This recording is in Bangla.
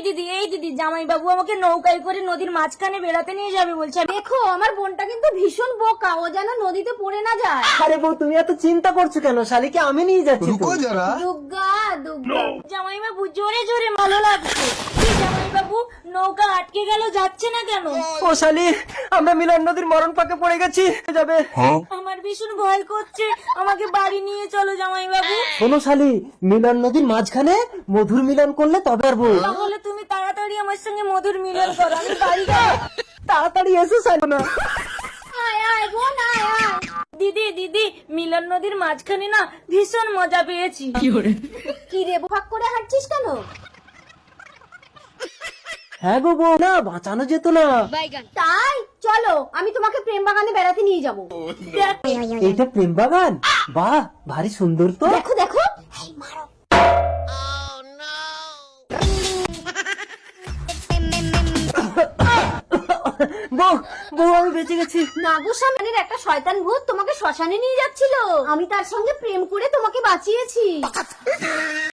দিদি জামাই বাবু আমাকে নৌকায় করে নদীর মাঝখানে বেড়াতে নিয়ে যাবে বলছে। দেখো আমার বোনটা কিন্তু ভীষণ বোকা, ও যেন নদীতে পড়ে না যায়। আরে বউ তুমি এত চিন্তা করছো কেন? শালিকে আমি নিয়ে যাচ্ছি তো। দুগ্গা দুগ্গা জামাই বাবু জোরে জোরে ভালো লাগছে। জামাই বাবু নৌকা আটকে গেল, যাচ্ছে না কেন? ও শালি, আমরা মিলন নদীর মরণ পাকে পড়ে গেছি, যাবে। আমার ভীষণ ভয় করছে, আমাকে বাড়ি নিয়ে চলো জামাই বাবু। শোনো শালি, মিলন নদীর মাঝখানে মধুর মিলন করলে তবে পারবো। তাহলে তুমি তাড়াতাড়ি আমার সঙ্গে মধুর মিলন করো, আমি বাড়ি যাবো। তাড়াতাড়ি এসো শালি। আয় আয় বোন আয় আয়। দিদি মিলন নদীর মাঝখানে না ভীষণ মজা পেয়েছি। কি রে ফাঁক করে হাঁটছিস কেন? হ্যাঁ গো বউ, না বাঁচানো যেত না। তাই চলো আমি তোমাকে প্রেম বাগানে বেড়াতে নিয়ে যাবো। এইটা প্রেম বাগান? বাহ, ভারী সুন্দর তো। দেখো দেখো বউ বউ আমি বেঁচে গেছি। নাগসানের একটা শয়তান ভূত তোমাকে শ্মশানে নিয়ে যাচ্ছিল, আমি তার সঙ্গে প্রেম করে তোমাকে বাঁচিয়েছি।